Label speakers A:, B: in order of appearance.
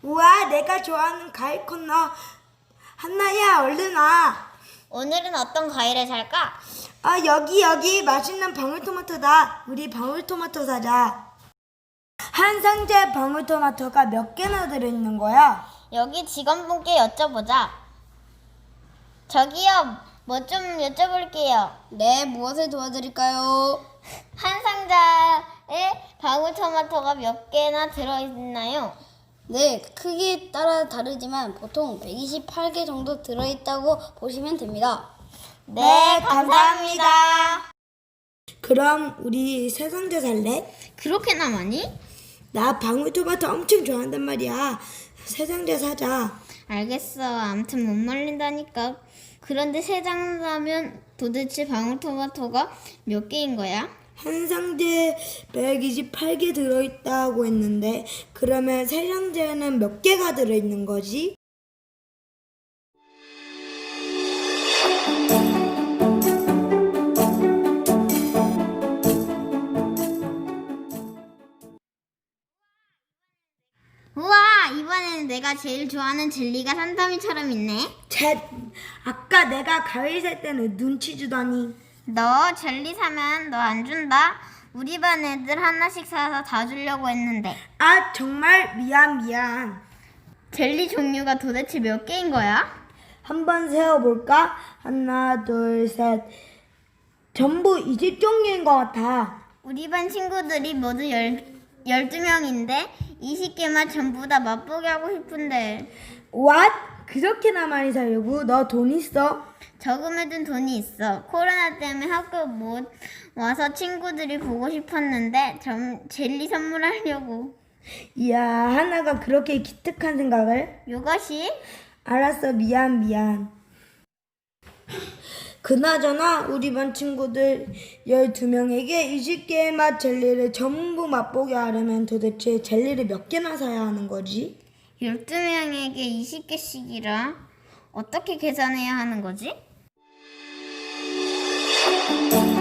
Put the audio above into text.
A: 우와, 내가 좋아하는 과일 코너. 한나야, 얼른 와.
B: 오늘은 어떤 과일을 살까?
A: 아, 여기 맛있는 방울토마토다. 우리 방울토마토 사자. 한 상자에 방울토마토가 몇 개나 들어있는 거야?
B: 여기 직원분께 여쭤보자. 저기요, 뭐 좀 여쭤볼게요.
C: 네, 무엇을 도와드릴까요?
B: 한 상자에 방울토마토가 몇 개나 들어있나요?
C: 네, 크기에 따라 다르지만 보통 128개 정도 들어있다고 보시면 됩니다.
B: 네, 감사합니다.
A: 그럼 우리 세 상자 살래?
B: 그렇게나 많이?
A: 나 방울토마토 엄청 좋아한단 말이야. 세 상자 사자.
B: 알겠어. 아무튼 못 말린다니까. 그런데 세 장사면 도대체 방울토마토가 몇 개인 거야?
A: 한 상자에 128개 들어있다고 했는데 그러면 세 상자에는 몇 개가 들어있는 거지?
B: 우와, 이번에는 내가 제일 좋아하는 젤리가 산더미처럼 있네.
A: 아까 내가 과일 살 때는 눈치 주더니.
B: 너 젤리 사면 너 안 준다. 우리 반 애들 하나씩 사서 다 주려고 했는데.
A: 아, 정말 미안.
B: 젤리 종류가 도대체 몇 개인 거야?
A: 한번 세어볼까? 하나, 둘, 셋. 전부 20종류인 것 같아.
B: 우리 반 친구들이 모두 12명인데 20개만 전부 다 맛보게 하고 싶은데.
A: What? 그렇게나 많이 사려고? 너 돈 있어?
B: 저금해둔 돈이 있어. 코로나 때문에 학교 못 와서 친구들이 보고 싶었는데 젤리 선물하려고.
A: 이야, 하나가 그렇게 기특한 생각을?
B: 요것이?
A: 알았어, 미안. 그나저나 우리 반 친구들 12명에게 20개의 맛 젤리를 전부 맛보게 하려면 도대체 젤리를 몇 개나 사야 하는 거지?
B: 12명에게 20개씩이라 어떻게 계산해야 하는 거지?